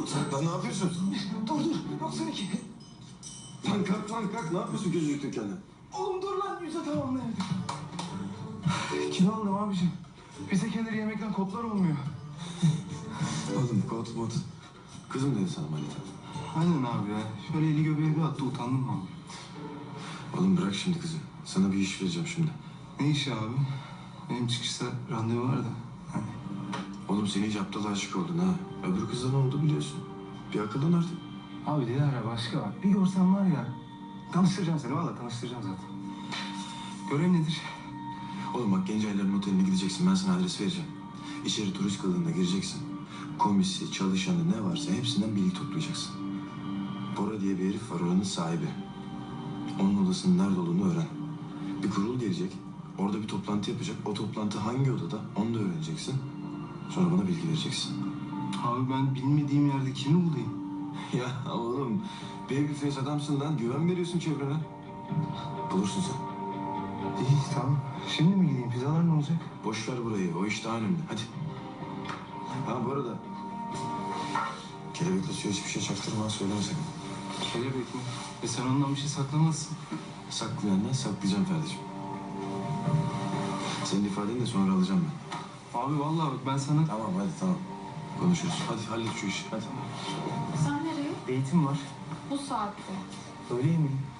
Lan ne yapıyorsun? Dur dur. Yok seninki. Lan kalk lan kalk. Ne yapıyorsun gözünü kendine? Oğlum dur lan yüze tamamlayamadık. Kilo aldım abicim. Bize kendileri yemekten kodlar olmuyor. Oğlum kot mot. Kızım dedi sana manita. Aynen abi ya. Şöyle eli göbeğe bir attı utandım mı abi? Oğlum bırak şimdi kızı. Sana bir iş vereceğim şimdi. Ne işi abi? Benim çıkışta randevu var da. Hani. Oğlum sen iyice aptala aşık oldun ha. Öbür kızla ne oldu biliyorsun. Bir akıllan artık. Abi Dilara başka bak. Bir görsen var ya. Tanıştıracağım seni valla tanıştıracağım zaten. Görev nedir? Oğlum bak Gencaylar'ın oteline gideceksin. Ben sana adres vereceğim. İçeri turist kılığında gireceksin. Komisi, çalışanı ne varsa hepsinden bilgi toplayacaksın. Bora diye bir herif var, oranın sahibi. Onun odasının nerede olduğunu öğren. Bir kurul gelecek. Orada bir toplantı yapacak. O toplantı hangi odada onu da öğreneceksin. Sonra bana bilgi vereceksin. Abi ben bilmediğim yerde kimi bulayım? Ya oğlum, babyface adamsın lan. Güven veriyorsun çevrene. Bulursun sen. İyi tamam. Şimdi mi gideyim? Pizzalar ne olacak? Boş ver burayı. O iş daha önemli. Hadi. Ha bu arada. Kelebekle suya hiçbir şey çaktırma. Söyleme sakın. Kelebek mi? Sen ondan bir şey saklamazsın. Saklayandan saklayacağım Ferdi'cim. Senin ifadeni de sonra alacağım ben. Abi vallahi bak ben sana... Tamam hadi tamam. Konuşuruz. Hadi hallet şu işi. Hadi. Sen nereye? Eğitim var. Bu saatte. Öyle mi?